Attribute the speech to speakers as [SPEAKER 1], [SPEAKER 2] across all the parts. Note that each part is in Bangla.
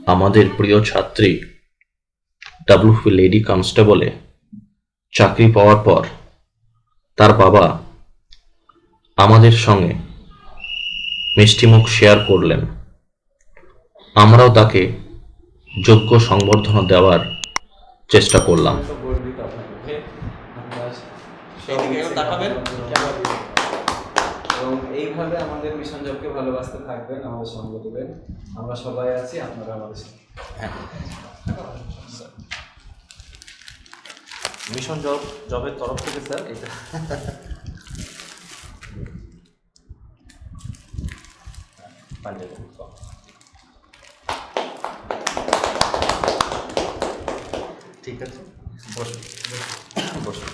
[SPEAKER 1] আমাদের প্রিয় ছাত্রী ডাব্লিউপি লেডি কনস্টেবলে চাকরি পাওয়ার পর তার বাবা আমাদের সঙ্গে মিষ্টিমুখ শেয়ার করলেন। আমরাও তাকে যোগ্য সংবর্ধনা দেওয়ার চেষ্টা করলাম।
[SPEAKER 2] গর্বিত আপনাকে। আমরা
[SPEAKER 3] এদিকে একটু তাকাবেন।
[SPEAKER 2] এবং এইভাবে আমাদের মিশন জবকে ভালোবাসতে থাকবেন, আমাদের সঙ্গ দেবেন। আমরা সবাই আছি, আপনারা আমাদের সঙ্গে।
[SPEAKER 3] মিশন জবের তরফ থেকে স্যার এটা ঠিক আছে, বসুন বসুন।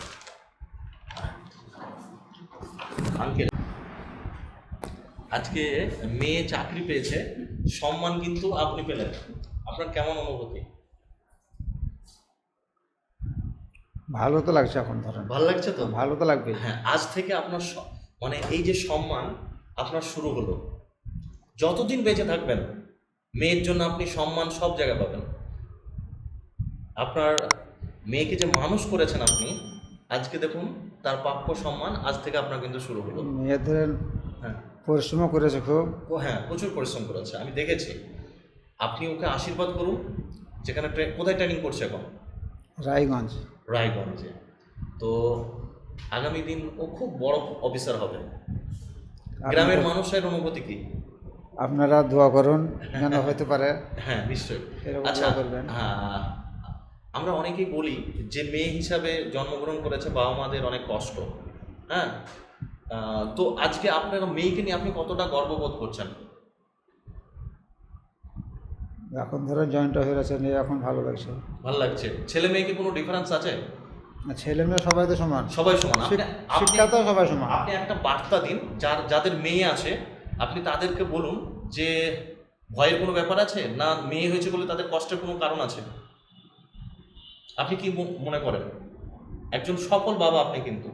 [SPEAKER 3] আঙ্কেল, আজকে মেয়ে চাকরি পেয়েছে, সম্মান কিন্তু আপনি পেলেন, আপনার কেমন অনুভূতি?
[SPEAKER 4] ভালো তো লাগছে এখন, ধরেন
[SPEAKER 3] ভালো লাগছে তো?
[SPEAKER 4] ভালো তো লাগবে।
[SPEAKER 3] হ্যাঁ, আজ থেকে আপনার মানে এই যে সম্মান আপনার শুরু হলো, যতদিন বেঁচে থাকবেন মেয়ের জন্য আপনি সম্মান সব জায়গায় পাবেন। আপনার মেয়েকে যে মানুষ করেছেন আপনি, আজকে দেখুন তার প্রাপ্য সম্মান আজ থেকে আপনার কিন্তু শুরু হলো।
[SPEAKER 4] মেয়েদের
[SPEAKER 3] হ্যাঁ
[SPEAKER 4] পরিশ্রম করেছে খুব।
[SPEAKER 3] হ্যাঁ, প্রচুর পরিশ্রম করেছে, আমি দেখেছি। আপনি ওকে আশীর্বাদ করুন। যেখানে কোথায় ট্রেনিং করছে এখন?
[SPEAKER 4] রায়গঞ্জ।
[SPEAKER 3] রায়গঞ্জে। তো আগামী দিন ও খুব বড় অফিসার হবে। গ্রামের মানুষের অনুভূতি কি?
[SPEAKER 4] আপনারা দোয়া করুন যেন হতে পারে।
[SPEAKER 3] হ্যাঁ, নিশ্চয়ই।
[SPEAKER 4] এরকম
[SPEAKER 3] আচ্ছা,
[SPEAKER 4] দোয়া করবেন।
[SPEAKER 3] আমরা অনেকেই বলি যে মেয়ে হিসাবে জন্মগ্রহণ করেছে, বাবা মাদের অনেক কষ্ট। হ্যাঁ, তো আজকে আপনার মেয়েকে নিয়ে আপনি কতটা গর্ববোধ করছেন?
[SPEAKER 4] এখন ধরো জয়েন্ট হয়ে গেছে, নিয়ে এখন ভালো লাগছে।
[SPEAKER 3] ভালো লাগছে। ছেলে মেয়েকে কোনো ডিফারেন্স আছে?
[SPEAKER 4] আর ছেলে মেয়ে সবাই তো সমান,
[SPEAKER 3] সবাই সমান।
[SPEAKER 4] শিক্ষা তো সবাই সমান।
[SPEAKER 3] আপনি একটা বার্তা দিন, যাদের মেয়ে আছে আপনি তাদেরকে বলুন যে ভয়ের কোনো ব্যাপার আছে না, মেয়ে হয়েছে বলে তাদের কষ্টের কোনো কারণ আছে। আপনি কি মনে করেন? একজন সফল বাবা আপনি, কিন্তু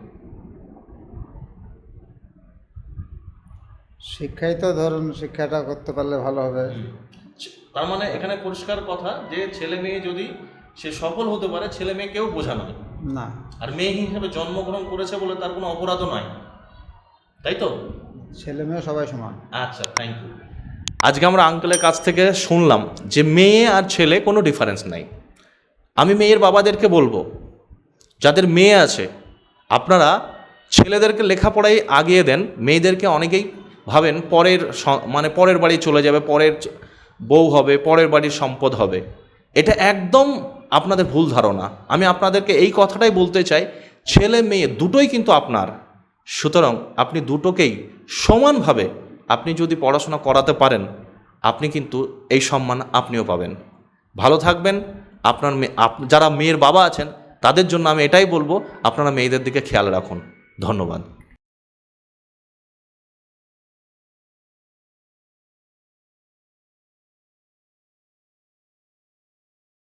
[SPEAKER 4] শিক্ষাই তো ধরুন, শিক্ষাটা করতে পারলে ভালো হবে।
[SPEAKER 3] তার মানে এখানে পরিষ্কার কথা যে ছেলে মেয়ে যদি সে সফল হতে পারে, ছেলে মেয়ে কেউ বোঝা নয়
[SPEAKER 4] না।
[SPEAKER 3] আর মেয়ে হিসেবে জন্মগ্রহণ করেছে বলে তার কোনো অপরাধও নয়, তাই তো?
[SPEAKER 4] ছেলে মেয়ে সবাই সমান।
[SPEAKER 3] আচ্ছা, থ্যাংক ইউ। আজকে আমরা আঙ্কেলের কাছ থেকে শুনলাম যে মেয়ে আর ছেলে কোনো ডিফারেন্স নাই। আমি মেয়ের বাবাদেরকে বলবো, যাদের মেয়ে আছে আপনারা ছেলেদেরকে লেখাপড়ায় আগিয়ে দেন। মেয়েদেরকে অনেকেই ভাবেন পরের বাড়ি চলে যাবে, পরের বউ হবে, পরের বাড়ির সম্পদ হবে। এটা একদম আপনাদের ভুল ধারণা। আমি আপনাদেরকে এই কথাটাই বলতে চাই, ছেলে মেয়ে দুটোই কিন্তু আপনার। সুতরাং আপনি দুটোকেই সমানভাবে আপনি যদি পড়াশোনা করাতে পারেন, আপনি কিন্তু এই সম্মান আপনিও পাবেন। ভালো থাকবেন। আপনার যারা মেয়ের বাবা আছেন তাদের জন্য আমি এটাই বলবো, আপনারা মেয়েদের দিকে খেয়াল রাখুন। ধন্যবাদ।